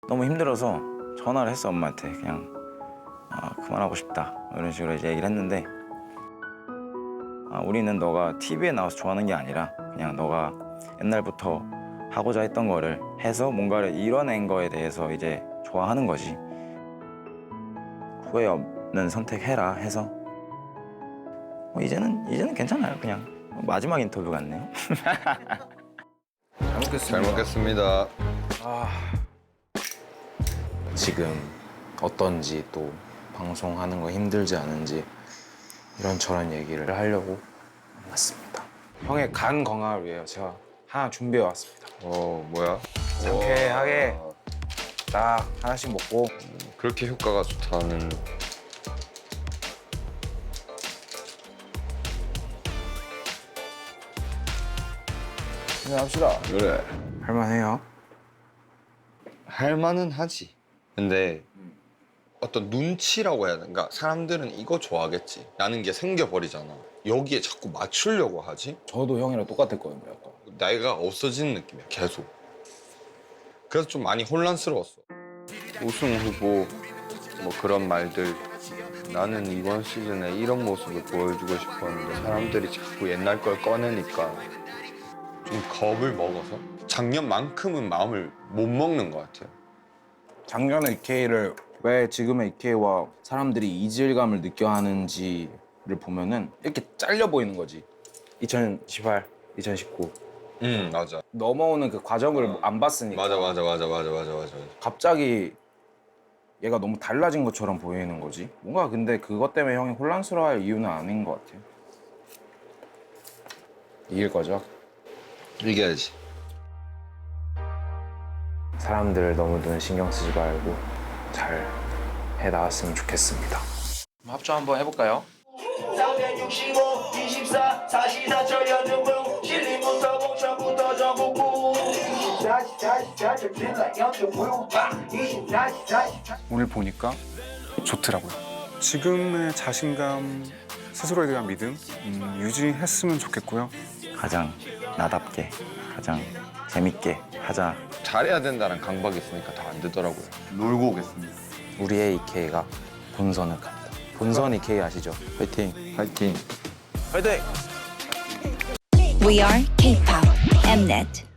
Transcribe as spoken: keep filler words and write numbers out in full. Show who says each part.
Speaker 1: 너무 힘들어서 전화를 했어 엄마한테. 그냥 아, 그만하고 싶다 이런 식으로 이제 얘기를 했는데 아, 우리는 너가 티비에 나와서 좋아하는 게 아니라 그냥 너가 옛날부터 하고자 했던 거를 해서 뭔가를 이뤄낸 거에 대해서 이제 좋아하는 거지. 후회 없는 선택해라 해서 뭐 이제는 이제는 괜찮아요. 그냥 마지막 인터뷰 같네요.
Speaker 2: 잘 먹겠습니다.
Speaker 3: 잘 먹겠습니다.
Speaker 2: 지금 어떤지 또 방송하는 거 힘들지 않은지 이런저런 얘기를 하려고 왔습니다. 형의 간 건강을 위해 제가 하나 준비해 왔습니다.
Speaker 3: 어, 뭐야?
Speaker 2: 상쾌하게
Speaker 3: 와,
Speaker 2: 딱 하나씩 먹고
Speaker 3: 그렇게 효과가 좋다는.
Speaker 2: 합시다.
Speaker 3: 그래.
Speaker 2: 할만해요.
Speaker 3: 할만은 하지. 근데 어떤 눈치라고 해야 되나? 그러니까 사람들은 이거 좋아하겠지. 라는 게 생겨버리잖아. 여기에 자꾸 맞추려고 하지?
Speaker 2: 저도 형이랑 똑같았거든요. 약간.
Speaker 3: 나이가 없어지는 느낌이야, 계속. 그래서 좀 많이 혼란스러웠어. 우승 후보, 뭐 그런 말들. 나는 이번 시즌에 이런 모습을 보여주고 싶었는데 사람들이 자꾸 옛날 걸 꺼내니까 좀 겁을 먹어서 작년만큼은 마음을 못 먹는 것 같아요.
Speaker 2: 작년의 이케이를 왜 지금의 이케이와 사람들이 이질감을 느껴 하는지를 보면은 이렇게 잘려 보이는 거지. 이천십팔, 이천십구
Speaker 3: 응, 맞아.
Speaker 2: 넘어오는 그 과정을 안 봤으니까
Speaker 3: 맞아, 맞아, 맞아, 맞아, 맞아, 맞아.
Speaker 2: 갑자기 얘가 너무 달라진 것처럼 보이는 거지. 뭔가 근데 그것 때문에 형이 혼란스러워할 이유는 아닌 것 같아요. 이길 거죠?
Speaker 3: 이겨야지.
Speaker 2: 사람들 너무 눈 신경 쓰지 말고 잘 해 나왔으면 좋겠습니다. 합주 한번 해볼까요?
Speaker 4: 삼백육십오, 이십사, 사십사 절여는 실리부터 공천부터 전국구 이십사, 사십사, 절필라 연주부 이십사, 사십사
Speaker 5: 오늘 보니까 좋더라고요. 지금의 자신감, 스스로에 대한 믿음 음, 유지했으면 좋겠고요.
Speaker 1: 가장 나답게 가장 재밌게 하자.
Speaker 3: 잘해야 된다는 강박이 있으니까 더 안 되더라고요.
Speaker 1: 놀고 오겠습니다.
Speaker 2: 우리의 이케이가 본선을 갑니다. 본선 이케이 아시죠?
Speaker 1: 화이팅. 화이팅.
Speaker 2: 화이팅!
Speaker 6: We are K-pop Mnet.